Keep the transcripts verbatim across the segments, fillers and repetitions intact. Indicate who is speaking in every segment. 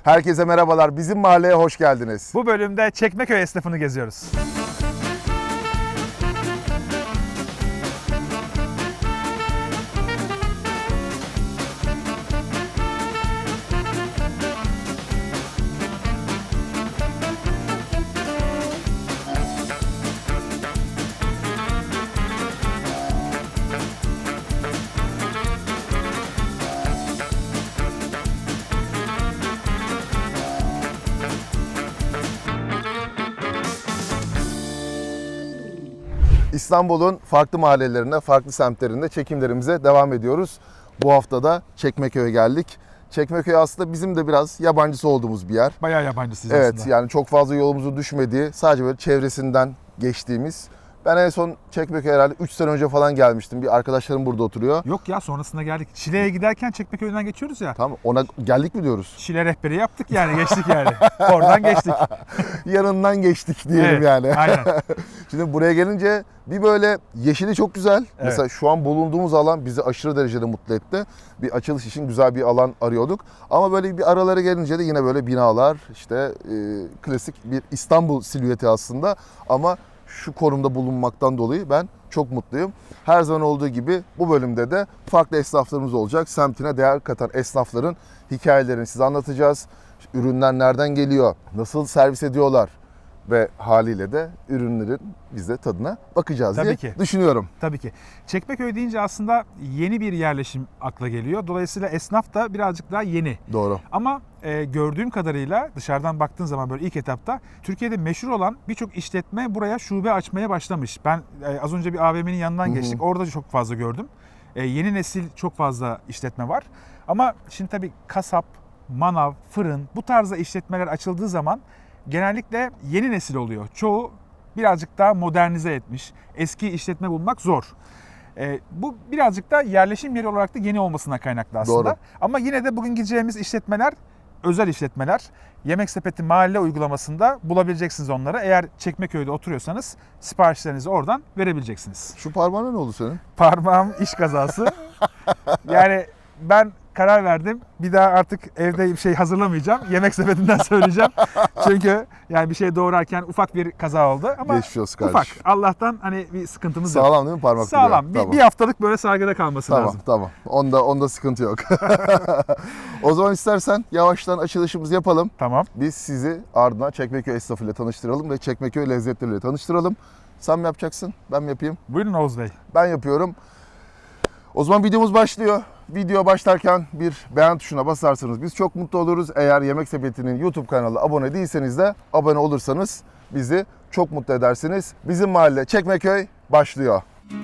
Speaker 1: Herkese merhabalar. Bizim mahalleye hoş geldiniz.
Speaker 2: Bu bölümde Çekmeköy esnafını geziyoruz.
Speaker 1: İstanbul'un farklı mahallelerinde, farklı semtlerinde çekimlerimize devam ediyoruz. Bu hafta da Çekmeköy'e geldik. Çekmeköy aslında bizim de biraz yabancısı olduğumuz bir yer.
Speaker 2: Bayağı yabancısıyız
Speaker 1: Evet,
Speaker 2: aslında.
Speaker 1: yani çok fazla yolumuzu düşmediği, sadece böyle çevresinden geçtiğimiz. Ben en son Çekmeköy'e herhalde üç sene önce falan gelmiştim. Bir arkadaşlarım burada oturuyor.
Speaker 2: Yok ya, sonrasında geldik. Şile'ye giderken Çekmeköy'den geçiyoruz ya.
Speaker 1: Tamam, ona geldik mi diyoruz?
Speaker 2: Şile rehberi yaptık yani, geçtik yani. Oradan geçtik.
Speaker 1: Yanından geçtik diyelim
Speaker 2: Evet,
Speaker 1: yani.
Speaker 2: aynen.
Speaker 1: Şimdi buraya gelince bir böyle yeşili çok güzel.
Speaker 2: Evet.
Speaker 1: Mesela şu an bulunduğumuz alan bizi aşırı derecede mutlu etti. Bir açılış için güzel bir alan arıyorduk. Ama böyle bir aralara gelince de yine böyle binalar, işte e, klasik bir İstanbul silüeti aslında. Ama şu konumda bulunmaktan dolayı ben çok mutluyum. Her zaman olduğu gibi bu bölümde de farklı esnaflarımız olacak. Semtine değer katan esnafların hikayelerini size anlatacağız. Ürünler nereden geliyor, nasıl servis ediyorlar ve haliyle de ürünlerin biz de tadına bakacağız
Speaker 2: Tabii
Speaker 1: diye
Speaker 2: ki.
Speaker 1: düşünüyorum.
Speaker 2: Tabii ki. Çekmeköy deyince aslında yeni bir yerleşim akla geliyor. Dolayısıyla esnaf da birazcık daha yeni.
Speaker 1: Doğru.
Speaker 2: Ama e, gördüğüm kadarıyla dışarıdan baktığın zaman böyle ilk etapta Türkiye'de meşhur olan birçok işletme buraya şube açmaya başlamış. Ben e, az önce bir A V M'nin yanından geçtik. Orada çok fazla gördüm. E, yeni nesil çok fazla işletme var. Ama şimdi tabii kasap, manav, fırın bu tarzda işletmeler açıldığı zaman genellikle yeni nesil oluyor. Çoğu birazcık daha modernize etmiş. Eski işletme bulmak zor. Ee, bu birazcık da yerleşim yeri olarak da yeni olmasına kaynaklı aslında.
Speaker 1: Doğru.
Speaker 2: Ama yine de bugün gideceğimiz işletmeler özel işletmeler. Yemek Sepeti mahalle uygulamasında bulabileceksiniz onları. Eğer Çekmeköy'de oturuyorsanız siparişlerinizi oradan verebileceksiniz.
Speaker 1: Şu parmağına ne oldu senin?
Speaker 2: Parmağım iş kazası. Yani ben karar verdim. Bir daha artık evde bir şey hazırlamayacağım. Yemek Sepeti'nden söyleyeceğim. Çünkü yani bir şey doğrarken ufak bir kaza oldu. Ama
Speaker 1: Geçmiş olsun
Speaker 2: ufak.
Speaker 1: kardeşim.
Speaker 2: Allah'tan hani bir sıkıntımız yok.
Speaker 1: Sağlam değil mi parmak?
Speaker 2: Sağlam.
Speaker 1: duruyor?
Speaker 2: Bir,
Speaker 1: Tamam.
Speaker 2: bir haftalık böyle sargıda kalması
Speaker 1: Tamam,
Speaker 2: lazım.
Speaker 1: tamam. Onda onda sıkıntı yok. O zaman istersen yavaştan açılışımızı yapalım.
Speaker 2: Tamam.
Speaker 1: Biz sizi ardından Çekmeköy esnafıyla tanıştıralım ve Çekmeköy lezzetleriyle tanıştıralım. Sen mi yapacaksın? Ben mi yapayım?
Speaker 2: Buyurun Oğuz Bey.
Speaker 1: Ben yapıyorum. O zaman videomuz başlıyor. Video başlarken bir beğen tuşuna basarsanız biz çok mutlu oluruz. Eğer Yemek Sepeti'nin YouTube kanalına abone değilseniz de abone olursanız bizi çok mutlu edersiniz. Bizim mahalle Çekmeköy başlıyor.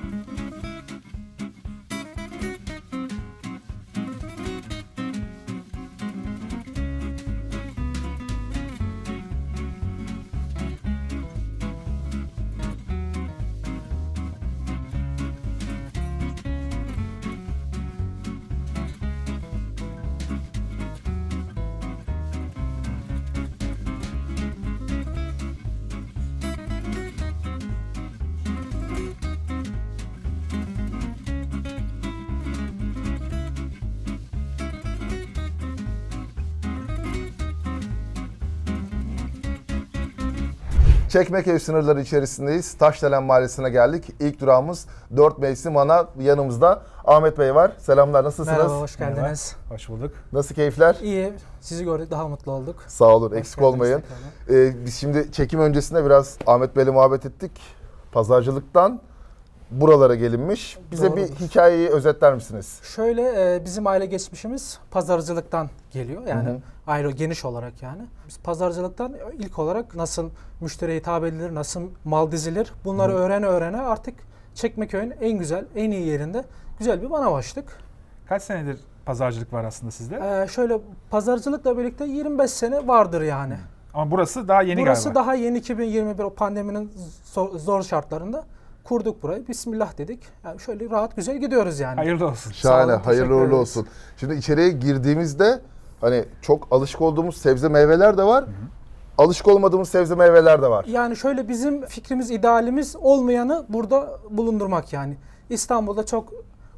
Speaker 1: Çekmeköy sınırları içerisindeyiz. Taşdelen Mahallesi'ne geldik. İlk durağımız dört Mevsim Ana. Yanımızda Ahmet Bey var. Selamlar, nasılsınız?
Speaker 3: Merhaba, hoş geldiniz.
Speaker 2: Hoş bulduk.
Speaker 1: Nasıl keyifler?
Speaker 3: İyi, sizi gördük, daha mutlu olduk.
Speaker 1: Sağ olun,
Speaker 3: Hoş
Speaker 1: eksik
Speaker 3: geldiniz
Speaker 1: olmayın.
Speaker 3: tekrardan.
Speaker 1: Ee, biz şimdi çekim öncesinde biraz Ahmet Bey'le muhabbet ettik. Pazarcılıktan buralara gelinmiş. Bize
Speaker 3: Doğrudur.
Speaker 1: bir hikayeyi özetler misiniz?
Speaker 3: Şöyle, e, bizim aile geçmişimiz pazarcılıktan geliyor. Yani
Speaker 1: Hı hı.
Speaker 3: aile geniş olarak yani. Biz pazarcılıktan ilk olarak nasıl müşteriye hitap edilir, nasıl mal dizilir bunları öğrene öğrene artık Çekmeköy'ün en güzel, en iyi yerinde güzel bir manav açtık.
Speaker 2: Kaç senedir pazarcılık var aslında sizde?
Speaker 3: E, şöyle pazarcılıkla birlikte yirmi beş sene vardır yani.
Speaker 2: Ama burası daha yeni
Speaker 3: Burası
Speaker 2: galiba.
Speaker 3: daha yeni, iki bin yirmi bir o pandeminin zor, zor şartlarında kurduk burayı. Bismillah dedik. Yani şöyle rahat güzel gidiyoruz yani.
Speaker 2: Hayırlı olsun.
Speaker 1: Şahane,
Speaker 3: Sağ olun,
Speaker 1: hayırlı
Speaker 3: teşekkür
Speaker 1: uğurlu
Speaker 3: ederiz.
Speaker 1: olsun. Şimdi içeriye girdiğimizde hani çok alışık olduğumuz sebze meyveler de var. Alışık olmadığımız sebze meyveler de var.
Speaker 3: Yani şöyle bizim fikrimiz, idealimiz olmayanı burada bulundurmak yani. İstanbul'da çok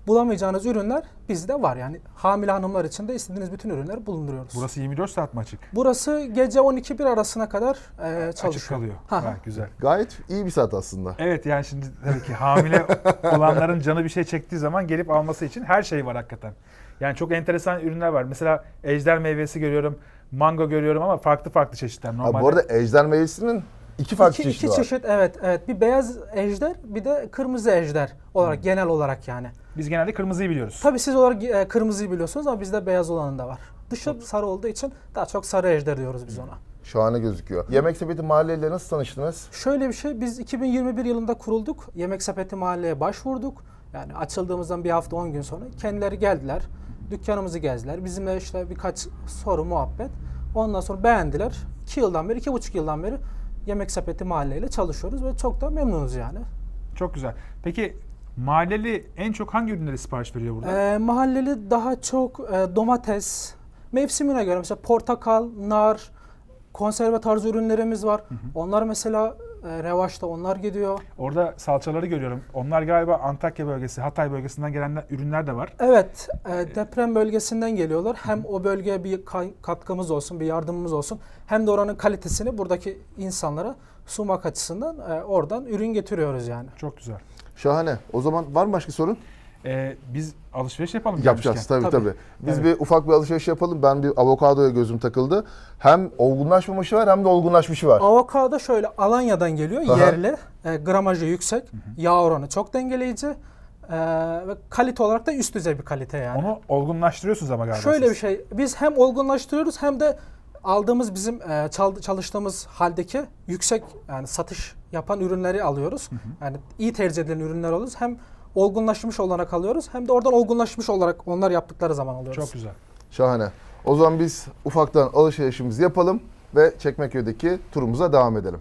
Speaker 3: bulamayacağınız ürünler bizde var. Yani hamile hanımlar için de istediğiniz bütün ürünleri bulunduruyoruz.
Speaker 2: Burası yirmi dört saat mi açık?
Speaker 3: Burası gece on iki bir arasına kadar e, çalışıyor.
Speaker 2: Açık kalıyor.
Speaker 3: Ha.
Speaker 2: Ha, güzel.
Speaker 1: Gayet iyi bir saat aslında.
Speaker 2: Evet, yani şimdi tabii ki hamile olanların canı bir şey çektiği zaman gelip alması için her şey var hakikaten. Yani çok enteresan ürünler var. Mesela ejder meyvesi görüyorum, mango görüyorum ama farklı farklı çeşitler.
Speaker 1: Ha,
Speaker 2: Normalde
Speaker 1: bu arada ejder meyvesinin iki farklı
Speaker 3: İki,
Speaker 1: çeşidi
Speaker 3: iki
Speaker 1: var.
Speaker 3: çeşit, evet evet. Bir beyaz ejder, bir de kırmızı ejder olarak, genel olarak yani.
Speaker 2: biz genelde kırmızıyı biliyoruz.
Speaker 3: Tabii siz olarak e, kırmızıyı biliyorsunuz ama bizde beyaz olanı da var. Dışı sarı olduğu için daha çok sarı ejder diyoruz biz ona.
Speaker 1: Şahane gözüküyor. Yemek Sepeti mahalleyle nasıl tanıştınız?
Speaker 3: Şöyle bir şey, biz iki bin yirmi bir yılında kurulduk. Yemek Sepeti Mahalle'ye başvurduk. Yani açıldığımızdan bir hafta on gün sonra kendileri geldiler. Dükkanımızı gezdiler. Bizimle işte birkaç soru, muhabbet. Ondan sonra beğendiler. iki yıldan beri, iki buçuk yıldan beri Yemek Sepeti Mahalle ile çalışıyoruz ve çok da memnunuz yani.
Speaker 2: Çok güzel. Peki mahalleli en çok hangi ürünleri sipariş veriyor burada?
Speaker 3: Ee, mahalleli daha çok e, domates, mevsimine göre mesela portakal, nar, konserve tarzı ürünlerimiz var. Hı hı. Onlar mesela e, revaçta, onlar gidiyor.
Speaker 2: Orada salçaları görüyorum. Onlar galiba Antakya bölgesi, Hatay bölgesinden gelen ürünler de var.
Speaker 3: Evet, e, deprem bölgesinden geliyorlar. Hem o bölgeye bir katkımız olsun, bir yardımımız olsun. Hem de oranın kalitesini buradaki insanlara sunmak açısından e, oradan ürün getiriyoruz yani.
Speaker 2: Çok güzel.
Speaker 1: Şahane. O zaman var mı başka sorun?
Speaker 2: Ee, biz alışveriş yapalım.
Speaker 1: Yapacağız tabii,
Speaker 3: Tabii.
Speaker 1: tabii. Biz
Speaker 2: Evet.
Speaker 1: bir ufak bir alışveriş yapalım. Ben bir avokadoya gözüm takıldı. Hem olgunlaşmamışı var hem de olgunlaşmışı var.
Speaker 3: Avokado şöyle Alanya'dan geliyor,
Speaker 1: Aha.
Speaker 3: yerli, e, gramajı yüksek, hı hı. Yağ oranı çok dengeleyici e, ve kalite olarak da üst düzey bir kalite yani.
Speaker 2: Onu olgunlaştırıyorsunuz ama galiba
Speaker 3: Şöyle
Speaker 2: siz.
Speaker 3: bir şey, biz hem olgunlaştırıyoruz hem de aldığımız bizim e, çal- çalıştığımız haldeki yüksek, yani satış yapan ürünleri alıyoruz. Hı hı. Yani iyi tercih edilen ürünler alıyoruz. Hem olgunlaşmış olarak alıyoruz hem de oradan olgunlaşmış olarak onlar yaptıkları zaman alıyoruz.
Speaker 2: Çok güzel.
Speaker 1: Şahane. O zaman biz ufaktan alışverişimizi yapalım ve Çekmeköy'deki turumuza devam edelim.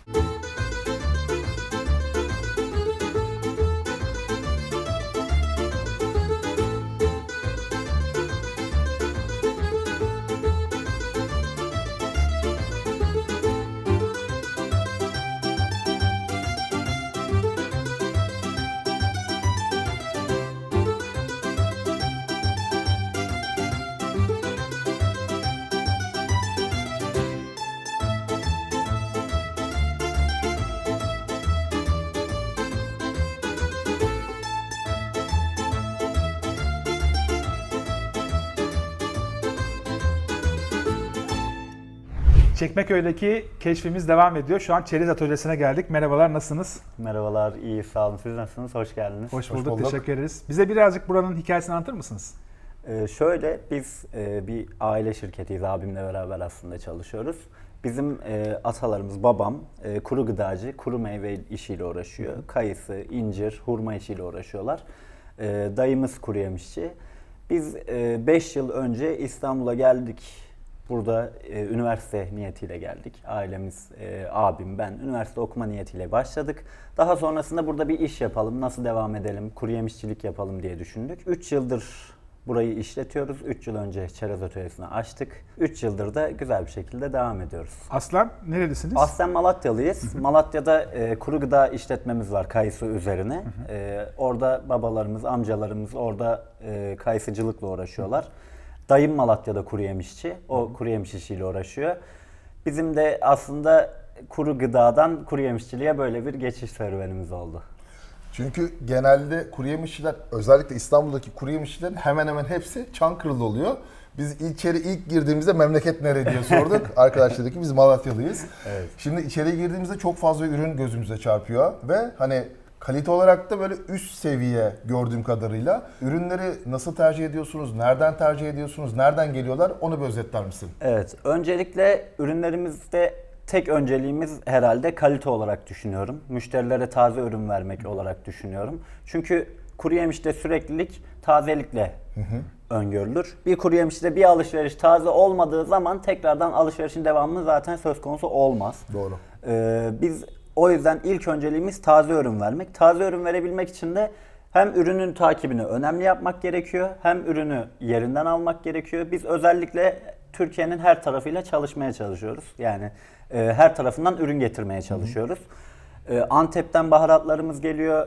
Speaker 2: Çekmeköy'deki keşfimiz devam ediyor. Şu an Çerez Atölyesi'ne geldik. Merhabalar, nasılsınız?
Speaker 4: Merhabalar, iyi sağ olun. Siz nasılsınız? Hoş geldiniz.
Speaker 2: Hoş
Speaker 1: Hoş
Speaker 2: bulduk,
Speaker 1: bulduk.
Speaker 2: teşekkür ederiz. Bize birazcık buranın hikayesini anlatır mısınız?
Speaker 4: Ee, şöyle, biz e, bir aile şirketiyiz. Abimle beraber aslında çalışıyoruz. Bizim e, atalarımız, babam e, kuru gıdacı, kuru meyve işiyle uğraşıyor. Kayısı, incir, hurma işiyle uğraşıyorlar. E, dayımız kuru yemişçi. Biz beş yıl önce İstanbul'a geldik. Burada e, üniversite niyetiyle geldik. Ailemiz, e, abim, ben üniversite okuma niyetiyle başladık. Daha sonrasında burada bir iş yapalım, nasıl devam edelim, kuru yemişçilik yapalım diye düşündük. üç yıldır burayı işletiyoruz. üç yıl önce Çerez Atölyesi'ni açtık. üç yıldır da güzel bir şekilde devam ediyoruz.
Speaker 2: Aslan, nerelisiniz?
Speaker 4: Aslen Malatyalıyız. Malatya'da e, kuru gıda işletmemiz var kayısı üzerine. E, orada babalarımız, amcalarımız orada e, kayısıcılıkla uğraşıyorlar. Dayım Malatya'da kuru yemişçi. O kuru yemiş işiyle uğraşıyor. Bizim de aslında kuru gıdadan kuru yemişçiliğe böyle bir geçiş serüvenimiz oldu.
Speaker 1: Çünkü genelde kuru yemişçiler, özellikle İstanbul'daki kuru yemişçilerin hemen hemen hepsi Çankırılı oluyor. Biz içeri ilk girdiğimizde memleket nere diye sorduk. Arkadaşlar dedi ki biz Malatyalıyız. Evet. Şimdi içeri girdiğimizde çok fazla ürün gözümüze çarpıyor ve hani kalite olarak da böyle üst seviye gördüğüm kadarıyla. Ürünleri nasıl tercih ediyorsunuz? Nereden tercih ediyorsunuz? Nereden geliyorlar? Onu bir özetler misin?
Speaker 4: Evet. Öncelikle ürünlerimizde tek önceliğimiz herhalde kalite olarak düşünüyorum. Müşterilere taze ürün vermek olarak düşünüyorum. Çünkü kuru yemişte süreklilik tazelikle hı hı. öngörülür. Bir kuru yemişte bir alışveriş taze olmadığı zaman tekrardan alışverişin devamı zaten söz konusu olmaz.
Speaker 1: Doğru.
Speaker 4: Ee, biz o yüzden ilk önceliğimiz taze ürün vermek. Taze ürün verebilmek için de hem ürünün takibini önemli yapmak gerekiyor, hem ürünü yerinden almak gerekiyor. Biz özellikle Türkiye'nin her tarafıyla çalışmaya çalışıyoruz. Yani e, her tarafından ürün getirmeye çalışıyoruz. E, Antep'ten baharatlarımız geliyor,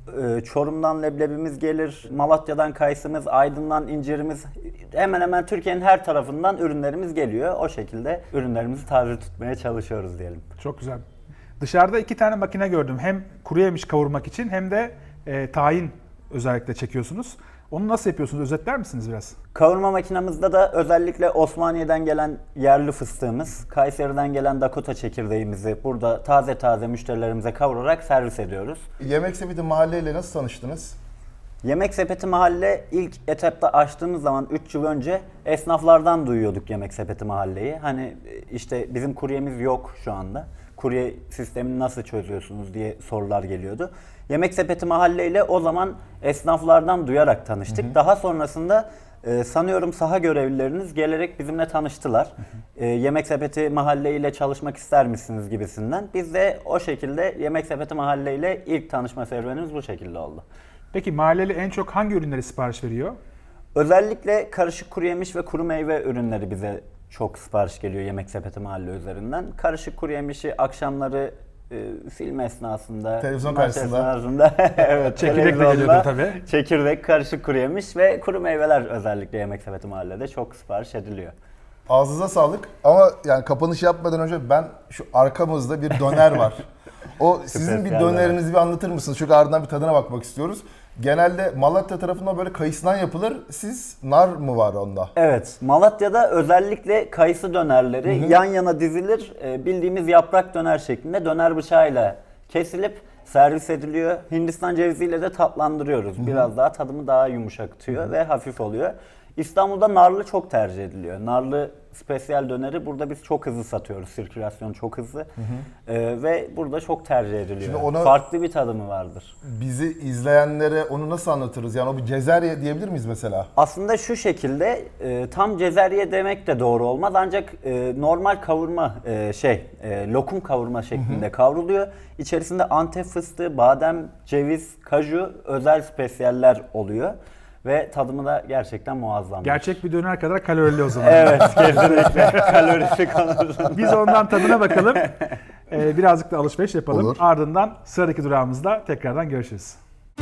Speaker 4: Ee, Çorum'dan leblebimiz gelir, Malatya'dan kayısımız, Aydın'dan incirimiz, hemen hemen Türkiye'nin her tarafından ürünlerimiz geliyor. O şekilde ürünlerimizi taze tutmaya çalışıyoruz diyelim.
Speaker 2: Çok güzel. Dışarıda iki tane makine gördüm. Hem kuru yemiş kavurmak için hem de e, tahin özellikle çekiyorsunuz. Onu nasıl yapıyorsunuz? Özetler misiniz biraz?
Speaker 4: Kavurma makinamızda da özellikle Osmaniye'den gelen yerli fıstığımız, Kayseri'den gelen Dakota çekirdeğimizi burada taze taze müşterilerimize kavurarak servis ediyoruz.
Speaker 1: Yemek Sepeti mahalleyle nasıl tanıştınız?
Speaker 4: Yemek Sepeti Mahalle ilk etapta açtığımız zaman üç yıl önce esnaflardan duyuyorduk Yemek Sepeti Mahalle'yi. Hani işte bizim kuryemiz yok şu anda. Kurye sistemini nasıl çözüyorsunuz diye sorular geliyordu. Yemek Sepeti Mahalle ile o zaman esnaflardan duyarak tanıştık. Hı hı. Daha sonrasında e, sanıyorum saha görevlileriniz gelerek bizimle tanıştılar. Hı hı. E, Yemek Sepeti Mahalle ile çalışmak ister misiniz gibisinden. Biz de o şekilde Yemek Sepeti Mahalle ile ilk tanışma serüvenimiz bu şekilde oldu.
Speaker 2: Peki mahalleli en çok hangi ürünleri sipariş veriyor?
Speaker 4: Özellikle karışık kuru yemiş ve kuru meyve ürünleri bize çok sipariş geliyor Yemek Sepeti Mahalle üzerinden. Karışık kuru yemişi akşamları e, film esnasında,
Speaker 1: televizyon
Speaker 4: maç
Speaker 1: karşısında,
Speaker 4: esnasında evet,
Speaker 2: çekirdek de geliyordu tabii.
Speaker 4: Çekirdek, karışık kuru yemiş ve kuru meyveler özellikle Yemek Sepeti Mahalle'de çok sipariş ediliyor.
Speaker 1: Ağzınıza sağlık ama yani kapanış yapmadan önce ben şu arkamızda bir döner var. O sizin bir dönerinizi bir anlatır mısınız? Çünkü ardından bir tadına bakmak istiyoruz. Genelde Malatya tarafında böyle kayısıdan yapılır. Siz nar mı var onda?
Speaker 4: Evet. Malatya'da özellikle kayısı dönerleri hı hı. yan yana dizilir. Bildiğimiz yaprak döner şeklinde döner bıçağıyla kesilip servis ediliyor. Hindistan ceviziyle de tatlandırıyoruz. Hı hı. Biraz daha tadımı daha yumuşak tutuyor hı hı. ve hafif oluyor. İstanbul'da narlı çok tercih ediliyor. Narlı spesiyel döneri burada biz çok hızlı satıyoruz. Sirkülasyon çok hızlı. Hı hı. Ee, ve burada çok tercih ediliyor. Ona, farklı bir tadımı vardır.
Speaker 1: Bizi izleyenlere onu nasıl anlatırız? Yani o bir cezerye diyebilir miyiz mesela?
Speaker 4: Aslında şu şekilde e, tam cezerye demek de doğru olmaz. Ancak e, normal kavurma e, şey e, lokum kavurma şeklinde hı hı. kavruluyor. İçerisinde Antep fıstığı, badem, ceviz, kaju özel spesiyeller oluyor. Ve tadımı da gerçekten muazzam.
Speaker 2: Gerçek bir döner kadar kalorili o zaman.
Speaker 4: Evet, kesinlikle. Kalorisi konusunda.
Speaker 2: Biz ondan tadına bakalım. Ee, birazcık da alışveriş yapalım.
Speaker 1: Olur.
Speaker 2: Ardından sıradaki durağımızda tekrardan görüşürüz.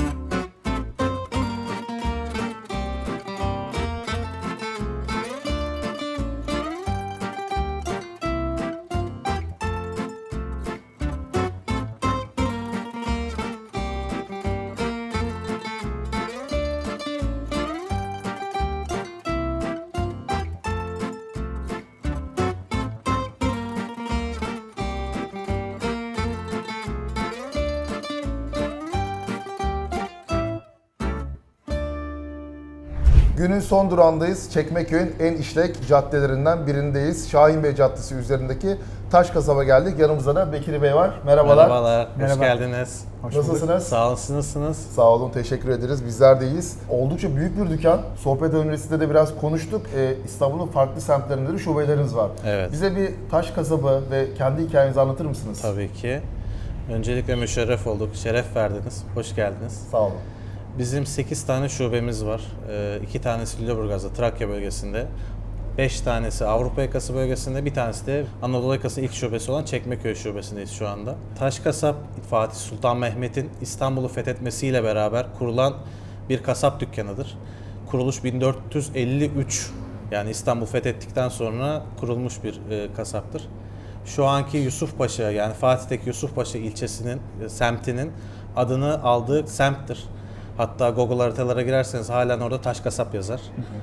Speaker 1: Günün son durağındayız. Çekmeköy'ün en işlek caddelerinden birindeyiz. Şahinbey Caddesi üzerindeki Taş Kasaba geldik. Yanımızda da Bekir Bey var. Merhabalar.
Speaker 5: Merhabalar,
Speaker 2: Merhaba.
Speaker 5: hoş geldiniz.
Speaker 2: Hoş
Speaker 1: Nasılsınız?
Speaker 2: bulduk.
Speaker 5: Sağ olun, siz nasılsınız?
Speaker 1: Sağ olun, teşekkür ederiz. Bizler de iyiyiz. Oldukça büyük bir dükkan. Sohbet öncesinde de biraz konuştuk. Ee, İstanbul'un farklı semtlerinde de şubeleriniz var.
Speaker 5: Evet.
Speaker 1: Bize bir Taş Kasaba ve kendi hikayenizi anlatır mısınız?
Speaker 5: Tabii ki. Öncelikle müşerref olduk, şeref verdiniz. Hoş geldiniz.
Speaker 1: Sağ olun.
Speaker 5: Bizim sekiz tane şubemiz var. iki tanesi Lüleburgaz'da, Trakya bölgesinde. beş tanesi Avrupa Yakası bölgesinde, bir tanesi de Anadolu Yakası ilk şubesi olan Çekmeköy şubesindeyiz şu anda. Taş Kasap, Fatih Sultan Mehmet'in İstanbul'u fethetmesiyle beraber kurulan bir kasap dükkanıdır. Kuruluş bin dört yüz elli üç, yani İstanbul fethettikten sonra kurulmuş bir e, kasaptır. Şu anki Yusufpaşa, yani Fatih'teki Yusufpaşa ilçesinin, e, semtinin adını aldığı semttir. Hatta Google haritalara girerseniz halen orada Taş Kasap yazar. Hı hı.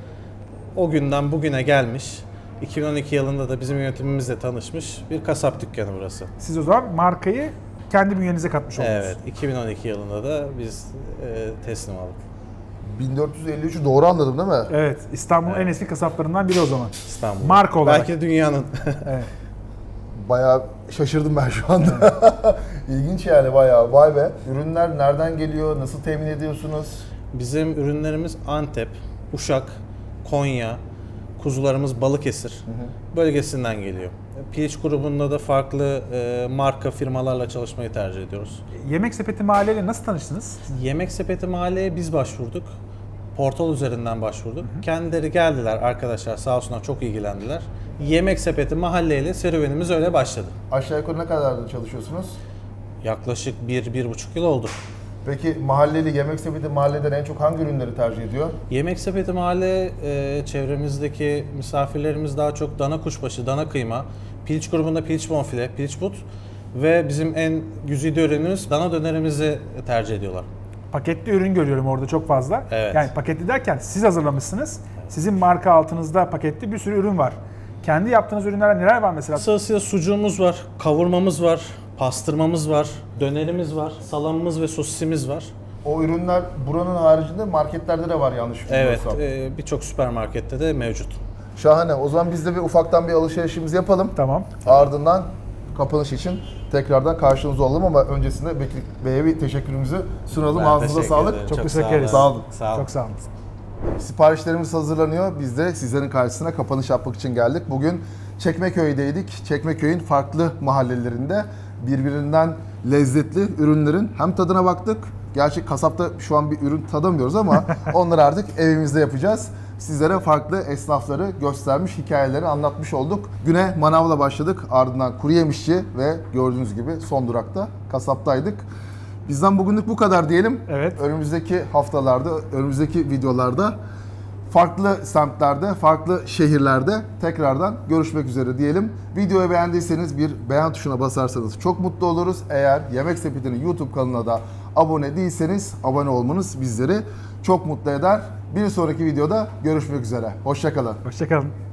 Speaker 5: O günden bugüne gelmiş, iki bin on iki yılında da bizim yönetimimizle tanışmış bir kasap dükkanı burası.
Speaker 2: Siz o zaman markayı kendi bünyenize katmış oldunuz.
Speaker 5: Evet, iki bin on iki yılında da biz e, teslim aldık.
Speaker 1: bin dört yüz elli üçü doğru anladım değil mi?
Speaker 2: Evet, İstanbul'un
Speaker 5: Evet.
Speaker 2: en eski kasaplarından biri o zaman.
Speaker 5: İstanbul.
Speaker 2: Marka olarak.
Speaker 5: Belki de dünyanın.
Speaker 2: Evet.
Speaker 1: Bayağı şaşırdım ben şu anda. İlginç yani bayağı. Vay be. Ürünler nereden geliyor? Nasıl temin ediyorsunuz?
Speaker 5: Bizim ürünlerimiz Antep, Uşak, Konya, kuzularımız Balıkesir hı hı. bölgesinden geliyor. Piliç grubunda da farklı e, marka firmalarla çalışmayı tercih ediyoruz.
Speaker 2: Yemek Sepeti Mahalleyle nasıl tanıştınız?
Speaker 5: Yemek Sepeti Mahalle'ye biz başvurduk. Portal üzerinden başvurduk. Hı hı. Kendileri geldiler, arkadaşlar sağ olsunlar çok ilgilendiler. Yemek Sepeti Mahalleyle serüvenimiz öyle başladı.
Speaker 1: Aşağı yukarı ne kadar çalışıyorsunuz?
Speaker 5: Yaklaşık bir, bir buçuk yıl oldu.
Speaker 1: Peki mahalleli Yemek Sepeti mahalleden en çok hangi ürünleri tercih ediyor?
Speaker 5: Yemek Sepeti Mahalle e, çevremizdeki misafirlerimiz daha çok dana kuşbaşı, dana kıyma, piliç grubunda piliç bonfile, piliç but ve bizim en güzide ürünümüz dana dönerimizi tercih ediyorlar.
Speaker 2: Paketli ürün görüyorum orada çok fazla.
Speaker 5: Evet.
Speaker 2: Yani paketli derken siz hazırlamışsınız. Sizin marka altınızda paketli bir sürü ürün var. Kendi yaptığınız ürünler neler var mesela?
Speaker 5: Sırasıyla sucuğumuz var, kavurmamız var, pastırmamız var, dönerimiz var, salamımız ve sosisimiz var.
Speaker 1: O ürünler buranın haricinde marketlerde de var yanlış
Speaker 5: Evet,
Speaker 1: bilmiyorsam.
Speaker 5: e, birçok süpermarkette de mevcut.
Speaker 1: Şahane. O zaman biz de bir ufaktan bir alışverişimizi yapalım.
Speaker 2: Tamam.
Speaker 1: Ardından kapanış için tekrardan karşınızda olalım ama öncesinde Bekir Bey'e bir teşekkürümüzü sunalım.
Speaker 5: Ben
Speaker 1: Ağzınıza
Speaker 5: teşekkür
Speaker 1: sağlık.
Speaker 5: ederim.
Speaker 2: Çok
Speaker 5: sağ
Speaker 2: teşekkür
Speaker 5: olun.
Speaker 2: ederiz.
Speaker 1: Sağ olun.
Speaker 5: Sağ olun.
Speaker 2: Çok sağ olun.
Speaker 1: Siparişlerimiz hazırlanıyor. Biz de sizlerin karşısına kapanış yapmak için geldik. Bugün Çekmeköy'deydik. Çekmeköy'ün farklı mahallelerinde birbirinden lezzetli ürünlerin hem tadına baktık. Gerçi kasapta şu an bir ürün tadamıyoruz ama onları artık evimizde yapacağız. Sizlere farklı esnafları göstermiş, hikayeleri anlatmış olduk. Güne manavla başladık. Ardından kuru yemişçi ve gördüğünüz gibi son durakta kasaptaydık. Bizden bugünlük bu kadar diyelim.
Speaker 2: Evet.
Speaker 1: Önümüzdeki haftalarda, önümüzdeki videolarda farklı semtlerde, farklı şehirlerde tekrardan görüşmek üzere diyelim. Videoyu beğendiyseniz bir beğen tuşuna basarsanız çok mutlu oluruz. Eğer Yemek Sepeti'nin YouTube kanalına da abone değilseniz abone olmanız bizleri çok mutlu eder. Bir sonraki videoda görüşmek üzere. Hoşça kalın.
Speaker 2: Hoşçakalın.